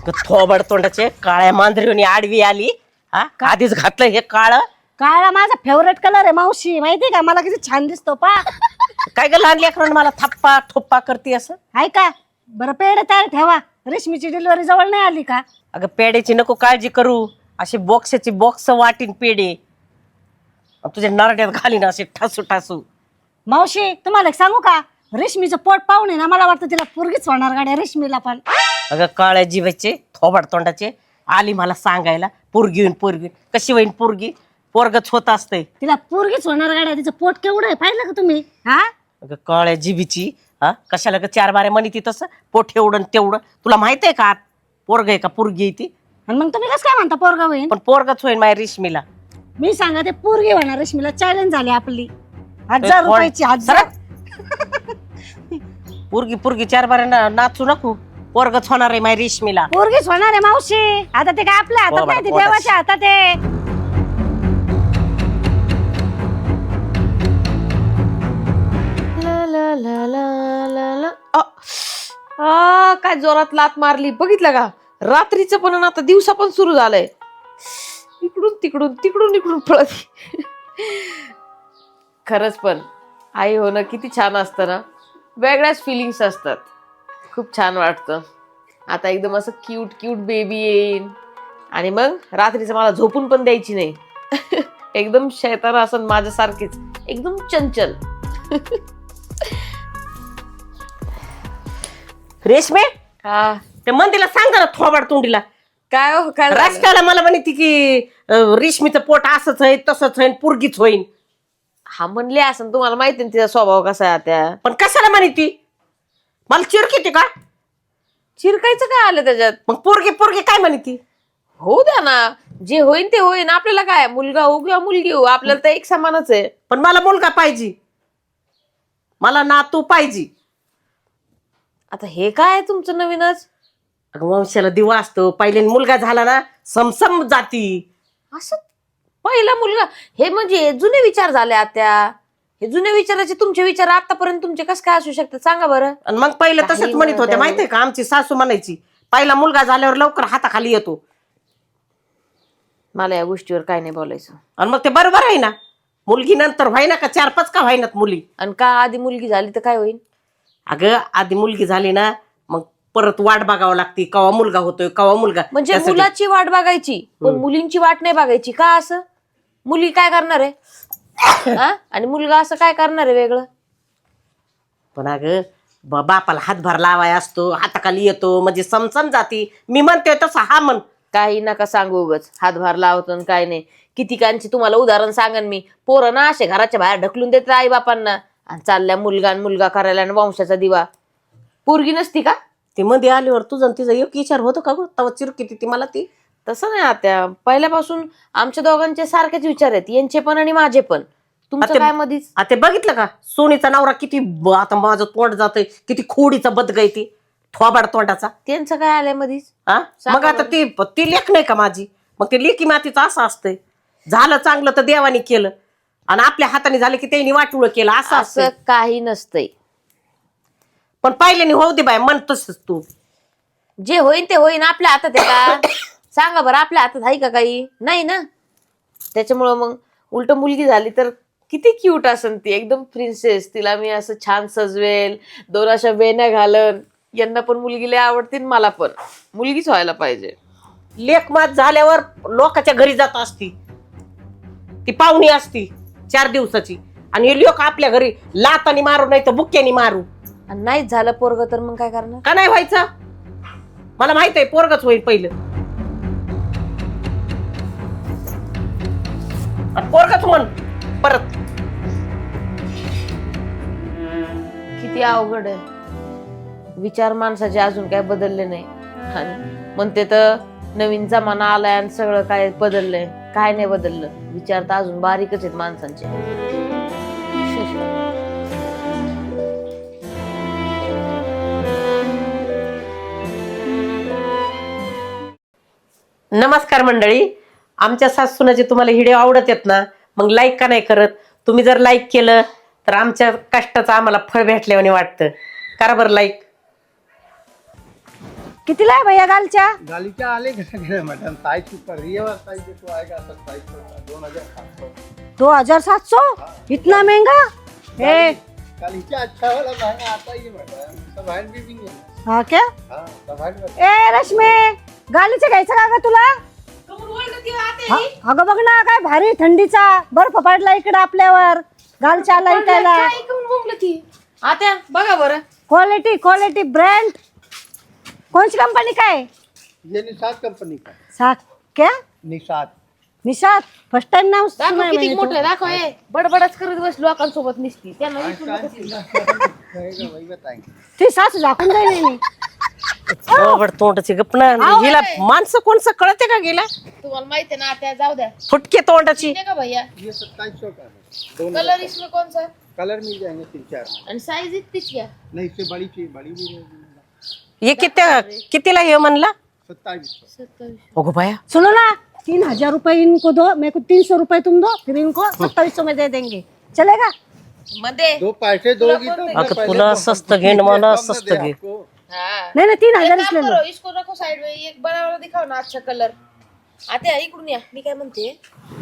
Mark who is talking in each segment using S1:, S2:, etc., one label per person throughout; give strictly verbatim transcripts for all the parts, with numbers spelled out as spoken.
S1: थोबड तोंडाचे काळ्या मांजरीवणी आडवी आली हा आधीच घातलं हे काळ.
S2: काळा माझा फेवरेट कलर आहे मावशी, माहितीये का? मला किती छान दिसतो पा.
S1: काय ग लहान लेकरांना मला थप्पा ठोप्पा करते असं?
S2: आहे का? बरं पेढे तयार ठेवा, रेशमीची डिलिव्हरी जवळ नाही आली का?
S1: अगं पेड्याची नको काळजी करू, अशी बॉक्सची बॉक्स वाटीन पेढे तुझ्या नरड्यात घालीन असे ठासू ठासू.
S2: मावशी तुम्हाला एक सांगू का? रेशमीचं पोट पाहून आहे ना, मला वाटतं तिला पोरगीच होणार गाड्या रेशमीला पण.
S1: अगं काळ्या जिभेचे थोबाड तोंडाचे आली मला सांगायला पोरगी होईन पोरगी. कशी होईन पोरगी? पोरगच होत असतंय.
S2: तिला पोरगीच होणार गाड्या. तिचं पोट केवढं आहे पाहिलं का तुम्ही? हा
S1: अगं काळ्या जिभीची हा कशाला ग चार बाऱ्या म्हणी ती तसं पोट एवढं तेवढं. तुला माहित आहे का पोरग आहे का पोरगी आहे ती?
S2: आणि मग तुम्ही कसं काय म्हणता पोरगा होईन?
S1: पण पोरगच होईन माझ्या रेशमीला.
S2: मी सांगा ते पोरगी होणार रेशमीला. चॅलेंज झाली आपली. हजार रुपयाची हजार.
S1: पोरगी पोरगी चार बाऱ्या नाचू नको, पोरगच होणार आहे माझ्या रेशमीला.
S2: पोरगीच होणार आहे मावशी. आता ते काय आपल्या हातात नाही, ते देवाच्या हातात आहे.
S3: आ, काय जोरात लात मारली बघितलं का? रात्रीचं पण आणि आता दिवसा पण सुरू झालंय. इकडून तिकडून तिकडून इकडून पळत. खरंच पण आई होणं किती छान असतं ना. वेगळ्याच फिलिंग्स असतात. खूप छान वाटतं. आता एकदम असं क्यूट क्यूट बेबी येईन आणि मग रात्रीचं मला झोपून पण द्यायची नाही. एकदम शैतान असं माझ्यासारखीच एकदम चंचल.
S1: रेशमे
S3: हा
S1: ते मंदीला सांग जरा थोबाड तोंडीला.
S3: काय हो काय झालं?
S1: राजकाला मला म्हणते की अं, रेशमीचं पोट असंच आहे तसंच आहे पोरगीच होईन.
S3: हा म्हणले असं, तुम्हाला माहिती ना तिचा स्वभाव कसा आहे त्या.
S1: पण कशाला म्हणे ती? मला चिरकी ती का?
S3: चिरकायचं काय आलं त्याच्यात?
S1: मग पोरगी पोरगी काय म्हणे ती?
S3: होऊ द्या ना, जे होईन ते होईन. आपल्याला काय, मुलगा हो किंवा मुलगी हो, आपल्याला तर एक समानच आहे.
S1: पण मला मुलगा पाहिजे, मला नातू पाहिजे.
S3: आता हे काय आहे तुमचं नवीनच?
S1: अगं वंशाला दिवा असतो. पहिले मुलगा झाला ना समसम जाती.
S3: असं पहिला मुलगा हे म्हणजे जुने विचार झाले आत्या. हे जुने विचाराचे तुमचे विचार आतापर्यंत तुमचे कसं काय असू शकतात सांगा बरं?
S1: आणि मग पहिलं तसंच
S3: काही
S1: म्हणत होते
S3: नाही.
S1: माहितीये का? आमची सासू म्हणायची पहिला मुलगा झाल्यावर लवकर हाताखाली येतो.
S3: मला या गोष्टीवर काय नाही बोलायचं.
S1: आणि मग ते बरोबर आहे ना. मुलगी नंतर व्हायना का चार पाच का व्हायनात मुली?
S3: आणि का आधी मुलगी झाली तर काय होईल?
S1: अगं आधी मुलगी झाली ना मग परत वाट बघावं लागते कवा मुलगा होतोय कवा मुलगा.
S3: म्हणजे
S1: त्यासाठी-
S3: मुलाची वाट बघायची पण मुलींची वाट नाही बघायची का? असं मुली काय करणार आहे हा? आणि मुलगा असं काय करणार आहे वेगळं?
S1: पण अगं ब- बापाला हातभार लावाय असतो, हाताखाली येतो म्हणजे समसम जाती. मी म्हणते तसं हा म्हण.
S3: काही नका सांगू उगच हातभार लावतो काय नाही. कितीकांची तुम्हाला उदाहरण सांगन मी. पोरं ना असे घराच्या बाहेर ढकलून देतात आई बापांना आणि चालल्या मुलगा आणि मुलगा करायला आणि वंशाचा दिवा. पोरगी नसती का?
S1: ती मध्ये आल्यावर तुझं तिचा एक विचार होतो का गं? तवा चिरकी ती मला ती.
S3: तसं नाही आत्या, पहिल्यापासून आमच्या दोघांचे सारखेच विचार आहेत, यांचे पण आणि माझे पण. तुमचं
S1: आता-
S3: काय मधीच?
S1: आता ते बघितलं का सोनीचा नवरा किती ब- आता माझं तोंड जातंय किती खोडीचा बदगाय ती थोबाड तोंडाचा.
S3: त्यांचं काय आलंय मधीच?
S1: हा
S3: सांगा
S1: मग आता ती ती लेख नाही का माझी? मग ते लेकी मातीचं असं असतंय. झालं चांगलं तर देवाने केलं आणि आपल्या हाताने झालं की त्यांनी वाटुळ केलं असं
S3: असं
S1: असतं.
S3: काही नसतंय.
S1: पण पहिल्याने होऊ दे बाय म्हणतोस तू.
S3: जे होईन ते होईन. आपल्या हातात आहे का? सांगा बरं, आपल्या हातात आहे का काही? नाही ना. त्याच्यामुळं मग उलट मुलगी झाली तर किती क्यूट असन ती, एकदम प्रिन्सेस. तिला मी असं छान सजवेल, दोन अशा वेण्या घालन. यांना पण मुलगी लय आवडते, मला पण मुलगीच व्हायला पाहिजे.
S1: लेख मात झाल्यावर लोकांच्या घरी जात असती, ती पाहुणी असती चार दिवसाची आणि हे लोक आपल्या घरी लातानी मारू नाही तर बुक्क्यानी मारू.
S3: आणि नाहीच झालं पोरग तर मग काय करणार?
S1: का नाही व्हायचं? मला माहित आहे पोरगच होईल पहिलं. पोरगच म्हण परत.
S3: किती अवघड आहे. विचार माणसाचे अजून काय बदलले नाही. आणि म्हणते तर नवीन जमाना आलाय आणि सगळं काय बदललंय. काय नाही बदललं. विचार तर अजून बारीकच आहेत माणसांचे.
S1: नमस्कार मंडळी. आमच्या सासूनाचे तुम्हाला व्हिडिओ आवडत आहेत ना, मग लाईक का नाही करत? तुम्ही जर लाईक केलं तर आमच्या कष्टाचं आम्हाला फळ भेटल्याने वाटतं. करा बरं लाईक.
S2: कितीला आहे भैया गालच्या?
S4: गालीचा आले का मैडम? साइज ऊपर रियल साइज तो आएगा सत्ताईस सौ दो हजार सात सौ।
S2: दो हजार सात सौ इतना महंगा? ए
S4: गालीचा अच्छा वाला महंगा आता ही है मैडम, सब हैंड वीविंग है।
S2: हा क्या?
S4: हाँ सब हैंड वर्क।
S2: ए रश्मी, गालीचं घ्यायचं का ग तुला? हा, अगं बघ ना काय भारी थंडीचा बर्फ पडला इकडे आपल्यावर, गालच्या आला इकायला.
S3: आता बघा बरं,
S2: क्वालिटी क्वालिटी ब्रँड. कोणची कंपनी काय?
S4: ये निषाद कंपनी का।
S2: सात क्या?
S4: निषाद
S2: निशात फर्स्ट टाइम नाव
S3: दाखव
S2: सुनाय
S3: किती
S2: मैंने तो.
S3: मोठं दाखव. हे बडबडच करत बस लोकांसोबत निसती त्यांना विचारू
S4: आइंस्टाइन
S3: नका.
S4: जितना कहेगा वही बताएंगे।
S2: ती सासू झाकून जाईल मी.
S1: बरोबर तोंडाची गपना हिला माणसं कोणचं कळते का गेला
S3: तुम्हाला माहिती आहे ना आता जाऊ द्या.
S1: फुटके तोंडाची.
S3: ठीक आहे भैया,
S4: ये सत्ताईस सौ का है। दोनों
S3: कलर इसमें कौन सा?
S4: कलर मिल जाएंगे तीन चार।
S3: आणि साईज इतकीच घ्या.
S4: नहीं इससे बड़ी चाहिए, बड़ी भी रहेगी।
S1: हे किती कितीला हे म्हणला?
S4: सत्ताईस सौ।
S3: सत्तावीस.
S1: अगो बाया,
S2: सुनो ना, तीन हजार रुपए इनको दो, मेरे को तीन सौ रुपए तुम दो, फिर इनको सत्ताईस सौ में दे देंगे, चलेगा?
S3: मध्ये
S4: दो पैसे दोगी तो मैं
S1: अगं
S4: पहले
S1: तुला
S4: तो
S1: स्वस्त घे न मला
S4: कम
S1: स्वस्त
S4: दे
S1: घे.
S4: आपको।
S3: हाँ.
S2: नहीं नहीं तीन
S3: एक
S2: हजार
S3: काम
S2: इसलिए लो.
S3: करो, इसको रखो साइड में, एक बनावला दिखाओ ना अच्छा कलर. आता इकडून या. मी काय म्हणते,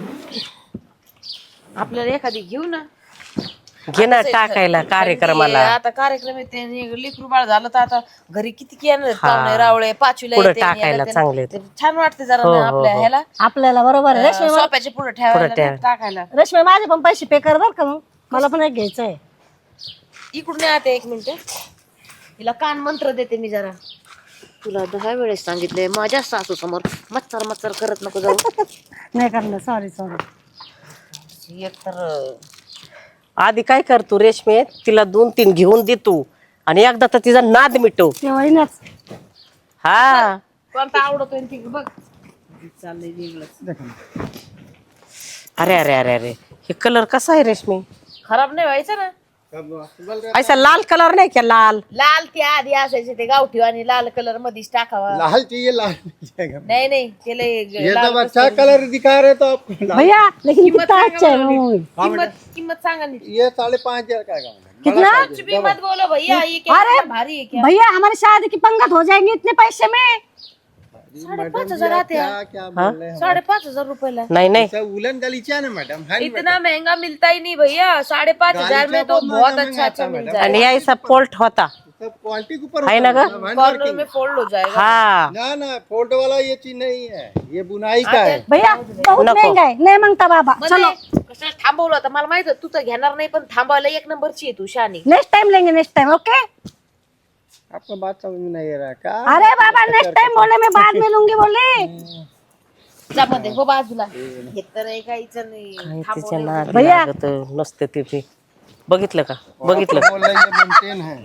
S3: आपल्याला एखादी घेऊ ना.
S1: घे ना टाकायला कार्यक्रमाला.
S3: आता कार्यक्रम आहे ते लेकरू बाळ झालं तर आता घरी किती येणार आहेत
S1: हा.
S3: पाहुणे रावळे पाचवीला
S1: पुढं
S3: येते, याला
S1: टाकायला
S3: ते-
S1: चांगले.
S3: ते छान वाटते जरा
S1: हो,
S3: ना
S1: हो,
S3: आपल्या
S1: हो.
S3: ह्याला
S2: आपल्याला बरोबर आहे. रेशमी
S3: सोप्याचे पुढे ठेवायला
S1: ठेवा.
S3: नाही टाकायला.
S2: रेशमी माझे पण पैसे पे कर बर का, मग मला पण एक घ्यायचं आहे.
S3: इकडून या आता एक मिनिट. हिला कान मंत्र देते मी जरा. तुला दहा वेळेस सांगितलंय माझ्या सासू समोर मच्छर मच्छर करत नको जाऊ.
S2: नाही करणार, सॉरी सॉरी.
S3: एक तर
S1: आधी काय कर तू रेशमे, तिला दोन तीन घेऊन दे तू आणि एकदा तर तिचा नाद मिटव.
S2: ते होईनच.
S1: हा
S3: कोणता आवडतोय ती बघ. चाललंय वेगळंच.
S4: देखो ना।
S1: अरे अरे अरे अरे हे कलर कसा आहे रेशमी?
S3: खराब नाही व्हायचं ना.
S4: सब सुबल रहता
S1: ऐसा लाल कलर नाही क्या? लाल
S3: लाल ते आधी असायचे ते गावठी आणि लाल कलर मध्येच टाकावा.
S4: है। लाल चाहिए, लाल मिल जाएगा।
S3: नाही नाही ते लय
S4: ये
S3: लाल
S4: सब अच्छा कलर दिखा रहे तो आपको लाल।
S2: भैया लेकिन
S3: किंमत
S2: कितना
S3: सांगा
S2: अच्छा है
S3: बरं
S2: ना वो.
S3: किंमत किंमत सांगा नीट.
S4: ये साढ़े पाँच हजार का है मैडम।
S2: कितना?
S4: बड़ा
S3: कुछ
S4: size
S3: भी
S4: है,
S3: मत बोलो भैया, ये क्या
S2: अरे,
S3: इतना भारी है क्या?
S2: भैया हमारी शादी की पंगत हो जाएंगी इतने पैसे में.
S3: साढ़े
S4: मैडम
S3: पाँच
S4: जी,
S3: हजार
S4: आप
S3: आते हैं.
S4: क्या क्या बोल रहे हैं?
S3: साढ़े पाँच हजार रुपए ला.
S1: नाही नाही
S4: सब उलन गलीचा है ना मैडम, है ना
S3: इतना महंगा मिलता ही नहीं भैया. साढ़े पाँच हजार में तो
S4: गालीचा
S3: बहुत
S4: बहुत
S3: अच्छा अच्छा
S4: महंगा
S3: मिल
S4: आता है,
S1: आणि
S3: जाएगा.
S1: ऐसा पोल्ट होता.
S4: सब क्वालिटी के ऊपर
S1: है ना
S4: होता है,
S1: ग?
S4: सब hand
S3: कॉर्नर
S4: working।
S3: में फोल्ड हो जाएगा.
S1: हा
S4: ना ना फोल्ड वाला ये चीज नहीं है, ये बुनाई का है।
S2: भैया बहुत
S1: नको.
S2: महंगा है, नाही मांगता बाबा. चलो
S3: मध्ये कशाला थांबवलं होतं मला माहित होतं, तू तर घेणार नाही पण थांबवायला एक नंबरची आहे तू शानी.
S2: नेक्स्ट टाइम लेंगे, नेक्स्ट टाइम ओके.
S4: आपको बात समझ में नहीं आ रहा क्या?
S2: अरे बाबा नेक्स्ट टाइम बोले, मैं बाद में लूंगी बोले.
S3: जा मध्ये हो बाजूला. हे तर आहे काहीच नाही.
S1: काय तिच्या
S3: थांबवलं.
S1: नादी
S2: भैया.
S1: लागत नसते ते ते. बघितलं का? बघितलं
S4: बोल रहे ये मेंटेन है।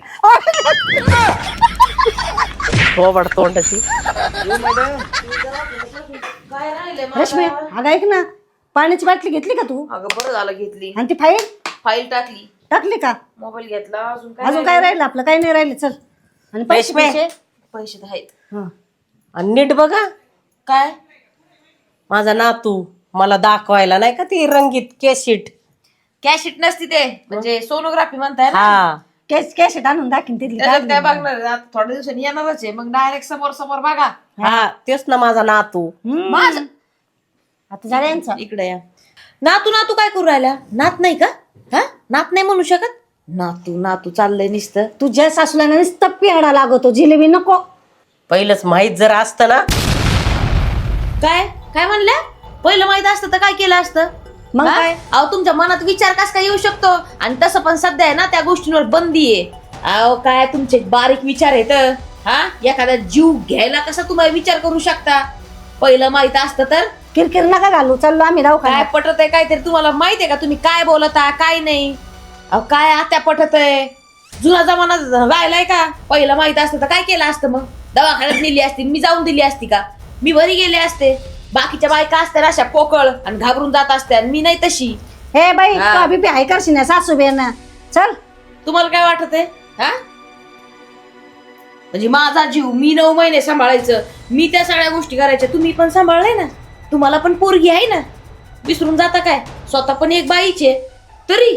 S1: थोबड तोंडाची.
S4: ये मैडम
S3: काय राहिले
S2: रेशमी अगं ऐक ना, पाण्याची बाटली घेतली का तू?
S3: अगं बरं झालं घेतली.
S2: आणि ती फाईल
S3: फाईल टाकली,
S2: टाकली का?
S3: मोबाईल घेतला. अजून काय
S2: अजून काय राहिलं आपलं? काही नाही राहिलं. चल. आणि पैसे
S1: रेशमी.
S2: पैसे
S3: पैसे तर आहेत.
S2: हा.
S1: आणि नीट बघा
S3: काय
S1: माझा नातू मला दाखवायला नाही का ती रंगीत केशीट.
S3: कॅशिट नसती ते, म्हणजे सोनोग्राफी म्हणताय ना.
S1: हा
S2: कॅश कॅश आणून दाखीन तिथली.
S3: त्याच्यात काय बघणार आहे? आता थोड्या दिवसांनी येणारच आहे, मग डायरेक्ट समोर समोर बघा.
S1: हा तेच ना माझा नातू.
S2: हम्म.
S3: माझं
S2: आता झालं यांचं.
S3: इकडे या. नातू नातू काय करू राहिला? नात नाही का? हा नात नाही म्हणू शकत. नातू नातू चाललंय नुसतं.
S2: तुझ्या सासूला ना नुसतं पिहाडा लागतो, जिलेबी नको.
S1: पहिलंच माहित जर असतं ना.
S3: काय काय म्हणल्या? पहिलं माहित असतं तर काय केलं असतं?
S2: मग
S3: हा?
S2: काय?
S3: अहो तुमच्या मनात विचार कस काय येऊ शकतो? आणि तसं पण सध्या आहे ना त्या गोष्टींवर बंदी आहे. अहो काय तुमचे बारीक विचार आहेत. हा एखादा जीव घ्यायला कसा तुम्हाला विचार करू शकता? पहिलं माहित असतं तर
S2: किरकिर नका घालू, चाललो आम्ही
S3: काय
S2: दवाखान्यात.
S3: पटत आहे काहीतरी तुम्हाला माहिती आहे का? तुम्ही काय बोलता काय नाही? अहो काय आत्या पटत आहे? जुना जमाना राहिलाय का? पहिलं माहित असतं तर काय केलं असतं? मग दवाखान्यात नेली असती, मी जाऊन दिली असती का? मी घरी गेले असते. बाकीच्या बायका असत्या अशा पोकळ आणि घाबरून जात असत्या, मी नाही तशी.
S2: हे बाई
S3: हा.
S2: तू अभी हाय करशील ना सासू बेन. चल.
S3: तुम्हाला काय वाटत आहे? हा म्हणजे माझा जीव मी नऊ महिने सांभाळायचं, मी त्या सगळ्या गोष्टी करायच्या, तुम्ही पण सांभाळलाय ना. तुम्हाला पण पोरगी आहे ना. विसरून जाता काय? स्वतः पण एक बाईचे. तरी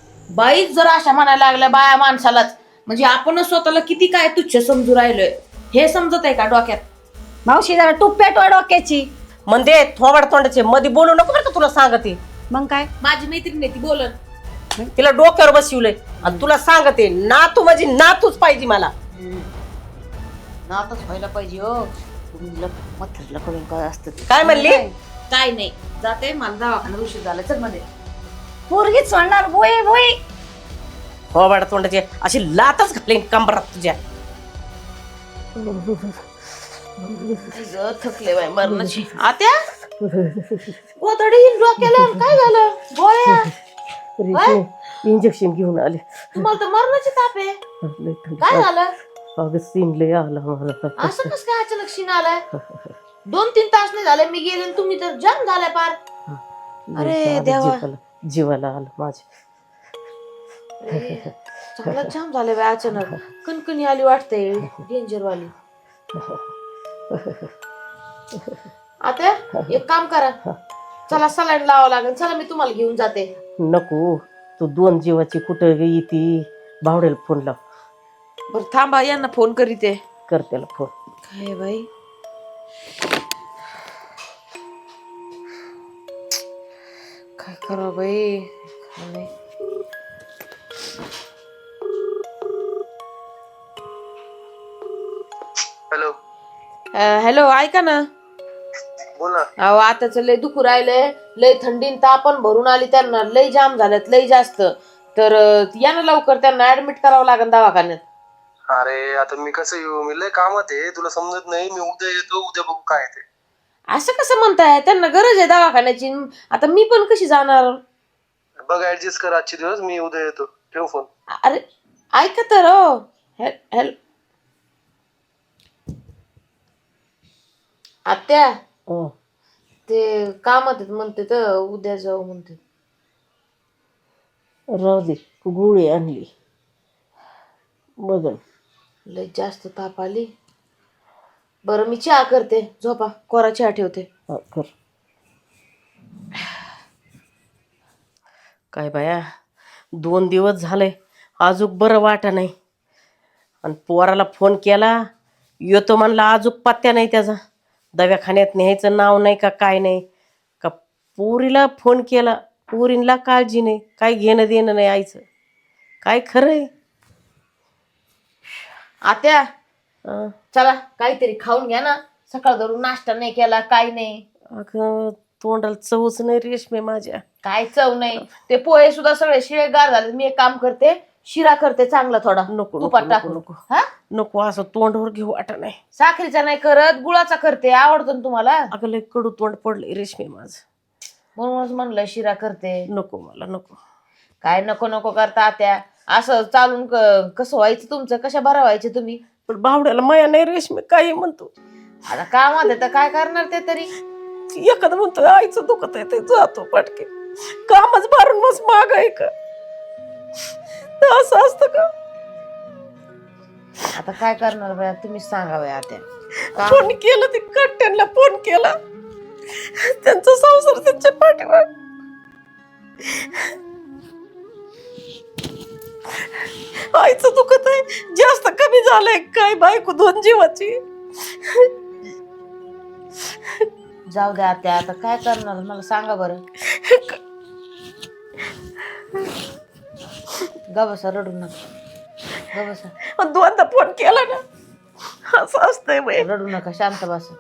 S3: बाईच जर अशा म्हणायला लागल्या बाया माणसालाच, म्हणजे आपणच स्वतःला किती काय तुच्छ समजू राहिलोय. हे समजत आहे का डोक्यात?
S2: मावशी जरा तूप पेटवा डोक्याची.
S1: म्हणजे थोबाड तोंडाचे मध्ये बोलू नको बरं का, तुला सांगते.
S2: मग काय
S3: माझी मैत्रीण आहे ती बोलन.
S1: तिला डोक्यावर बसवलंय आणि तुला सांगते नातू माझी नातूच पाहिजे मला.
S3: नातच व्हायला पाहिजे हो. तुम्ही मथरला कळून काय असतं ते.
S1: काय म्हणली?
S3: काय नाही, जाते मला दवाखान्यात उशीर झाला. चल मध्ये.
S2: पोरगीच म्हणणार बोई बोई.
S1: थोबाड तोंडाचे अशी लातच घालीन कंबरात तुझ्या.
S3: ग थकले बाय मरणाची. आत्या गोधडी डोक्याला काय झालं? गोळ्या
S1: इंजेक्शन घेऊन आले.
S3: तुम्हाला तर मरणाची ताप आहे. काय झालं?
S1: अगं सीन लय आला मला.
S3: असं कसं काय अचानक शिन आलाय? दोन तीन तास नाही झाले मी गेले आणि तुम्ही तर जाम झालाय पार. अरे देवा,
S1: जीवाला जीवाला आलं माझ्या.
S3: चांगला जाम झाले बाय अचानक. कणकणी आली वाटते, डेंजर वाली. आता एक काम करा, चला सलाईन लावावं लागेल. चला मी तुम्हाला घेऊन जाते.
S1: नको, तू दोन जीवाची कुठं येते. भावड्याला फोन लाव.
S3: बर थांबा, यांना फोन करीते.
S1: कर त्याला फोन.
S3: काय बाई, काय करा बाई.
S4: हॅलो
S3: हॅलो, ऐका ना.
S4: बोला.
S3: अहो आताच लय दुखू राहिलंय, लय थंडीन तापण भरून आली त्यांना, लय जाम झाल्यात लय जास्त. तर या ना लवकर, त्यांना ऍडमिट करावं लागेल दवाखान्यात.
S4: अरे आता मी कसं येऊ, मी लय कामात आहे, तुला समजत नाही. मी उद्या येतो, उद्या बघू काय ते.
S3: असं कसं म्हणताय? त्यांना गरज आहे दवाखान्याची. आता मी पण कशी जाणार?
S4: बघ ऍडजस्ट कर आजचे दिवस, मी उद्या येतो. ठेव फोन.
S3: अरे ऐका तर हो. हॅलो आत्या,
S1: हं.
S3: ते कामात आहेत म्हणते तर उद्या जाऊ म्हणते.
S1: राहू दे, गोळी आणली बघ.
S3: लय जास्त ताप आली. बरं मी चहा करते, झोपा. कोरा चहा ठेवते.
S1: हा, कर. काय बाया, दोन दिवस झाले आजूक बरं वाटा नाही. आणि पोराला फोन केला, येतो म्हणला, आजूक पत्त्या नाही त्याचा. दवाखान्यात न्यायचं नाव नाही का काय नाही का. पोरीला फोन केला, पोरींला काळजी नाही, काय घेणं देणं नाही आईचं. काय खरंय.
S3: आत्या
S1: अं,
S3: चला काहीतरी खाऊन घ्या ना. सकाळ धरून नाश्ता नाही केला, काय नाही.
S1: अगं तोंडाला चवच नाही रेशमे माझ्या.
S3: काय चव नाही. ते पोहे सुद्धा सगळे शिळे गार झाले. मी एक काम करते, शिरा करते चांगला थोडा.
S1: नको
S3: तुपात
S1: नको
S3: टाकून.
S1: नको
S3: हा
S1: नको, असं तोंडावर घेऊ वाटा नाही.
S3: साखरेचा नाही करत, गुळाचा करते. आवडतो ना तुम्हाला?
S1: अगं लय कडू तोंड पडले रेशमे माझं.
S3: म्हणूनच म्हणलं शिरा करते.
S1: नको मला नको.
S3: काय नको नको करता आत्या? असं चालून क- कसं व्हायचं तुमचं? कशा बरं व्हायचे तुम्ही?
S1: पण भावड्याला माया नाही रेशमे, काही म्हणतो.
S3: आता कामात आहे तर काय करणार ते तरी.
S1: एखादं म्हणतो आईचं दुखत आहे ते जातो पटके. कामच भरून मस्त माग आहे का. असं असतं का.
S3: आता काय करणार बाया, तुम्हीच सांगा बाया आत्या. का-
S1: फोन केलं ते कट्ट्यांना फोन केला, त्यांचा संसार त्यांच्या पाठीवर. आईचं दुखत आहे, जास्त कमी झालंय काय बायको दोन जीवाची.
S3: जाऊ द्या आत्या, आता काय करणार मला सांगा बरं. ग बसा, रडू नका. ग बसा,
S1: दोनदा फोन केला ना. असं असतंय बाई.
S3: रडू नका, शांत बसा.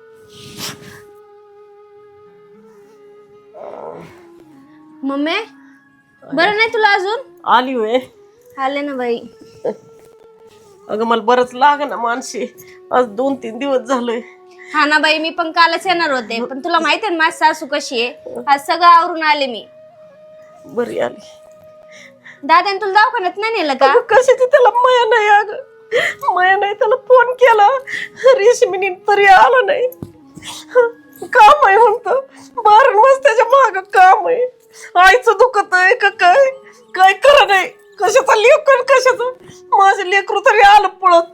S2: मम्मी बरं नाही तुला अजून?
S1: आली होय.
S2: आले ना बाई.
S1: अगं मला बरंच लाग ना मानशी. आज दोन तीन दिवस झालोय.
S2: हा ना बाई, मी पण कालच येणार होते, पण तुला माहिती आहे माझी सासू कशी आहे. आज सगळं आवरून आले मी.
S1: बरी आली.
S2: दादाने तुला दवाखान्यात नाही नेलं का?
S1: अगं कशाची त्याला माया नाही. अगं माया नाही, त्याला फोन केला रेशमीने तरी आला नाही. काम आहे म्हणतो, बारण मस्त त्याच्या माग काम आहे. आईचं दुखत आहे का काय काय करा नाही. कशाचा लेकर, कशाचं माझं लेकरू तरी आलं पळत.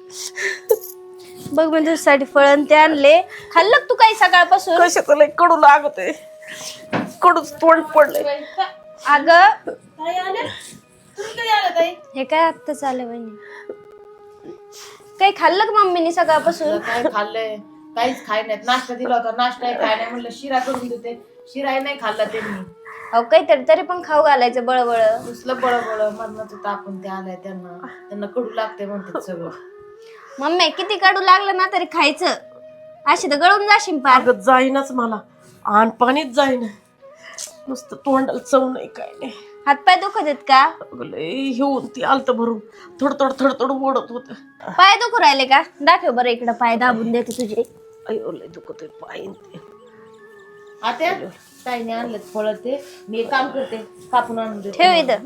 S2: बघ मी तुझ्यासाठी फळण ते आणले, खाल्लं तू काही सकाळपासून?
S1: कशाचं लय कडू लागत आहे, कडूच तोंड पडलंय.
S2: अगं
S3: ताई आल्या? तुम्ही कधी आल्या ताई?
S2: हे काय आत्ताच आले बहिणी.
S5: काही खाल्लं का मम्मीने सकाळपासून?
S3: काय खाल्लंय? काहीच खाय नाही. नाश्ता दिला होता, नाश्ता खाय नाही म्हणलं शिरा करून देते, शिराही नाही खाल्ला त्यांनी.
S5: अहो काहीतरी तरी पण खाऊ घालायचं बळबळ.
S3: दुसलं बळबळ मरणाचं तापून ते आलाय त्यांना, त्यांना कडू लागते म्हणतात सगळं.
S5: मम्मी किती कडू लागलं ना तरी खायचं, अशी तर गळून जाशील पार.
S1: अगं जाईनच मला, आण पाणीच जाईन, नुसतं तोंडाला चव नाही काय नाही.
S5: हातपाय दुखत आहेत का?
S1: अगं लय घेऊन ती आलत भरून थोडं थोडं थोडं थोडं ओढत होत.
S5: पाय दुखू राहिले का? दाखव बरं इकडं, पाय दाबून देते तुझे.
S1: अयो लय दुखत पाय ते.
S3: आता ताईने आणलं फळ, ते मी एक काम करते, कापून आणून देते.
S5: ठेव इथं.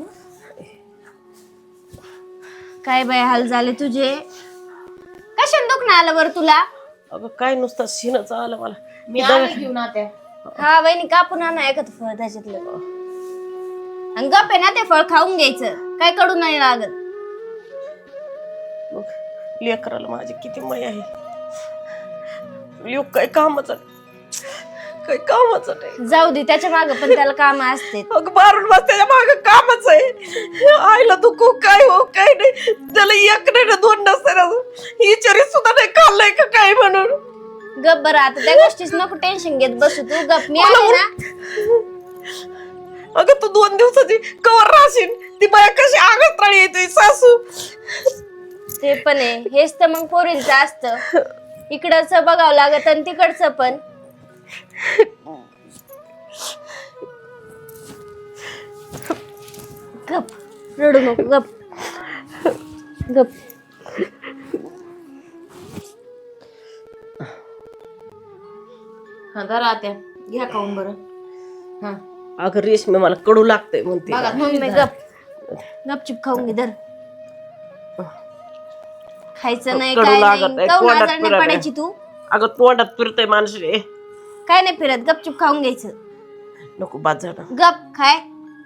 S5: काय बाय हाल झाले तुझे, कशाने दुखणं आलं बरं तुला?
S1: अगं काय नुसतं शिनच आलं मला.
S3: मी आले घेऊन आता.
S5: हा वहिनी कापून आणा एखादं फळ त्याच्यातलं, आणि गप आहे ना ते फळ खाऊन घ्यायचं, काय कडू नाही लागत.
S1: मग लेकराला माझी किती माय आहे, लेक काय कामाचं काय कामाचं नाही.
S5: जाऊ दे, त्याच्या मागे पण त्याला काम असते.
S1: अगं बारून बस, त्याच्या मागं कामच आहे. आईला दुखू काय हो काय नाही, त्याला एक नाही ना दोन नसते, विचारी सुद्धा नाही खाल्लंय का काय म्हणून.
S5: गप बरं, आता त्या गोष्टीच नको टेन्शन घेत बसू तू, गप. मी आले ना.
S1: अगं तू दोन दिवसाची कवर राहशील, ती बाया कशी आगत्राळी येते सासू.
S5: ते पण आहे, हेच तर मग पोरींचं असतं, इकडचं बघावं लागत आणि तिकडचं पण. गप, रडू नको, गप गप.
S3: हा धरा आत्या, घ्या खाऊन बरं. हा
S1: अगं रेशमी मला कडू लागतंय म्हणते.
S3: बघा
S5: मम्मी गप, गपचिप खाऊन घे, धर. खायचं नाही
S1: कडू
S5: काय
S1: लागत
S5: नाही,
S1: आहे,
S5: काहून
S1: तोंडात
S5: आजार नाही
S1: फिरत
S5: पडायची तू.
S1: अगं तोंडात फिरतय माणसं.
S5: काय नाही फिरत, गपचिप खाऊन घ्यायचं.
S1: नको बाद झालं.
S5: गप खाय.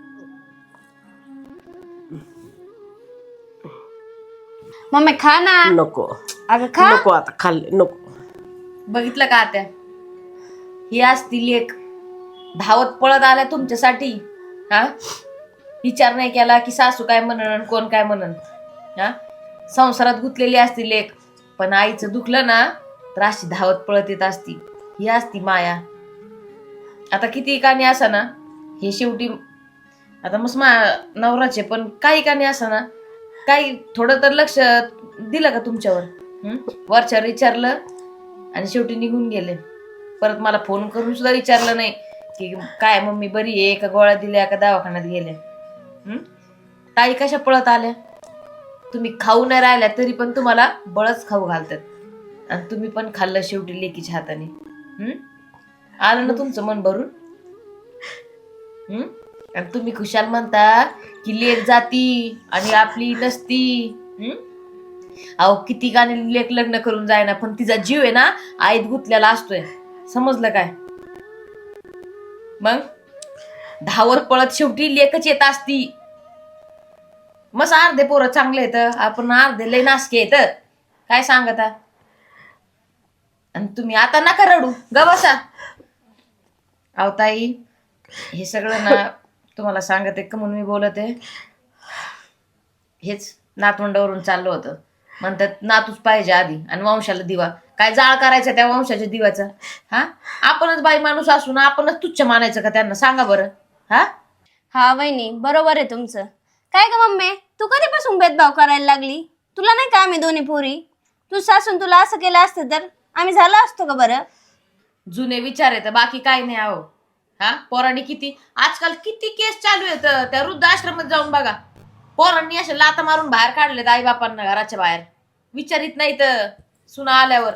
S5: मम्मी खा ना.
S1: नको
S5: अगं खा.
S1: नको आता खाल्ले नको.
S3: बघितलं का आत्या, ही असती लेक धावत पळत आल्या तुमच्यासाठी. हा विचार नाही केला की सासू काय म्हणन कोण काय म्हणन. हा संसारात गुंतलेली असती लेक, पण आईचं दुखलं ना तर अशी धावत पळत येत असती. ही असती माया. आता किती कानी असा ना, हे शेवटी आता मस्त मा नवराचे, पण काही कानी असा ना, काही थोडं तर लक्ष दिलं का तुमच्यावर? हम्म वरच्यावर विचारलं आणि शेवटी निघून गेले. परत मला फोन करून सुद्धा विचारलं नाही की काय मम्मी बरी आहे का, गोळ्या दिल्या का, दवाखान्यात गेले. हम्म ताई कशा पळत आल्या, तुम्ही खाऊ नाही राहिल्या तरी पण तुम्हाला बळच खाऊ घालतात, आणि तुम्ही पण खाल्लं शेवटी लेकीच्या हाताने. हम्म आलं ना तुमचं मन भरून. हम्म आणि तुम्ही खुशाल म्हणता की लेक जाती आणि आपली नसती. हम्म अहो किती गाणे लेक लग्न करून जायना, पण तिचा जीव आहे ना आईत गुंतलेला असतोय, समजलं काय? मग धावत पळत शेवटी लेकच येत असती. मस्त अर्धे पोरं चांगले येत, आपण अर्धे लय नासके येत. काय सांगता? आणि तुम्ही आता नका रडू, ग बसा. अहो ताई, हे सगळं ना तुम्हाला सांगते का म्हणून मी बोलते. हेच नातवंडावरून चाललं होतं. म्हणतात नातूच पाहिजे आधी आणि वंशाला दिवा. काय जाळ करायचा त्या वंशाच्या दिवाचा? हा आपणच बाई माणूस असून आपणच तुच्छ मानायचं का त्यांना? सांगा बरं. हा
S5: हा वहिनी बरोबर आहे तुमचं. काय ग मम्मी, तू कधीपासून भेदभाव करायला लागली? तुला नाही का आम्ही दोन्ही पोरी? तू सासून तुला असं केलं असतं तर आम्ही झालो असतो का बरं?
S3: जुने विचार येत, बाकी काही नाही. आहो हा पोरांनी किती आजकाल किती केस चालू येत. त्या वृद्ध आश्रमात जाऊन बघा, पोरांनी असे लाता मारून बाहेर काढलेत आई बापांना घराच्या बाहेर. विचारित नाही तर सुना आल्यावर.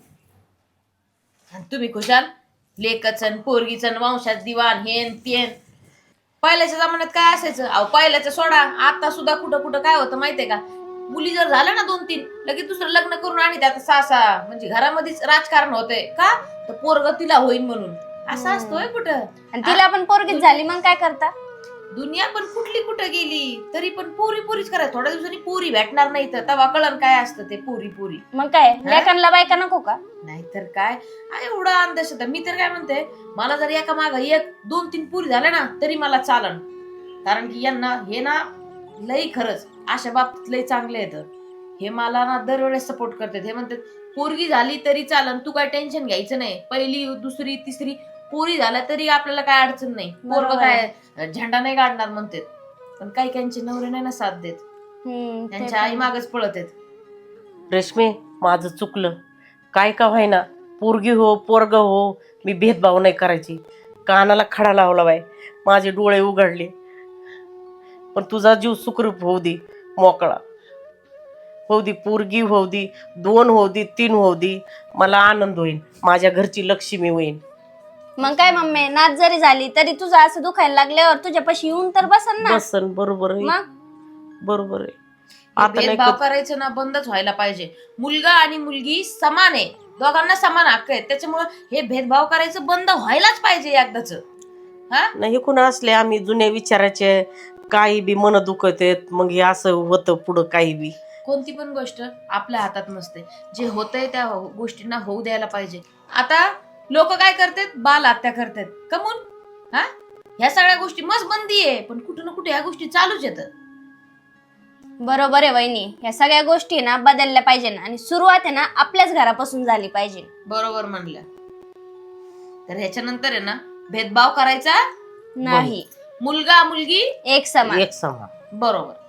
S3: तुम्ही खुशाल लेकचन पोरगीचन वंशात दिवाण हेन तेन. पहिल्याच्या जमान्यात काय असायचं? अहो पहिल्याचं सोडा, आता सुद्धा कुठं कुठं काय होतं माहितीये का? मुली जर झालं ना दोन तीन, लगेच दुसरं लग्न करून आणि त्यात सासा म्हणजे घरामध्येच राजकारण होतंय का, तर पोरग तिला होईन म्हणून. असं असतोय कुठं?
S5: आणि तिला पण पोरगीच झाली, मग काय करता?
S3: दुनिया पण कुठली कुठं गेली, तरी पण पोरी पोरीच करायचं. थोड्या दिवसांनी पोरी भेटणार नाही तर तेव्हा कळण काय असतं ते पोरी पोरी.
S5: मग काय लेकांना बायका नको का?
S3: नाहीतर काय एवढा अंधश्रद्धा. मी तर काय म्हणते, मला जर एका माग एक दोन तीन पुरी झाल्या ना तरी मला चालन. कारण की यांना हे ना लई खरंच अशा बाबतीत लई चांगले येतं. हे मला ना दरवेळेस सपोर्ट करतात. हे म्हणतात पोरगी झाली तरी चालन, तू काय टेन्शन घ्यायचं नाही, पहिली दुसरी तिसरी पोरी झाल्या तरी आपल्याला काय अडचण नाही, पोरग काय झेंडा नाही काढणार म्हणतात. पण काही काहींचे नवरे नाही ना साथ देत,
S5: हम्म, ते
S3: त्यांच्या आई मागच पळत आहेत.
S1: रेशमे माझं चुकलं, काय का व्हायना, पोरगी हो पोरग हो, मी भेदभाव नाही करायची. कानाला खडा लावला बाय, माझे डोळे उघडले. पण तुझा जीव सुखरूप होऊ दे, मोकळा होऊ दे, पोरगी होऊ दे, दोन होऊ दे, तीन होऊ दे, मला आनंद होईल, माझ्या घरची लक्ष्मी होईल.
S5: मग काय मम्मी, नाच जरी झाली तरी तुझं असं दुखायला लागल्यावर तुझ्यापाशी येऊन तर बसन ना.
S1: बसन, बरोबर आहे,
S5: मग
S1: बरोबर आहे.
S3: हे
S1: आता नाही
S3: भेदभाव
S1: कर-
S3: करायचं ना बंदच व्हायला पाहिजे. मुलगा आणि मुलगी समान आहे, दोघांना समान हक्क आहेत, त्याच्यामुळे हे भेदभाव करायचं बंद व्हायलाच पाहिजे एकदाच. हा
S1: नाही कुणा असले आम्ही जुन्या विचाराचे, काही बी मन दुखत आहेत, मग हे असं होतं पुढं काही बी.
S3: कोणती पण गोष्ट आपल्या हातात नसते, जे होतंय त्या गोष्टींना होऊ द्यायला पाहिजे. आता लोक काय करतात, बाल हत्या करतात, कमून हा ह्या सगळ्या गोष्टी मस्त बंदी आहे, पण कुठे ना कुठे ह्या गोष्टी चालूच येतात.
S5: बरोबर आहे वहिनी, ह्या सगळ्या गोष्टी ना बदलल्या पाहिजे ना, आणि सुरुवात आहे ना आपल्याच घरापासून झाली पाहिजे.
S3: बरोबर म्हणलं. तर ह्याच्यानंतर आहे ना भेदभाव करायचा
S5: नाही,
S3: मुलगा मुलगी
S5: एक समान.
S1: एक समान.
S3: बरोबर.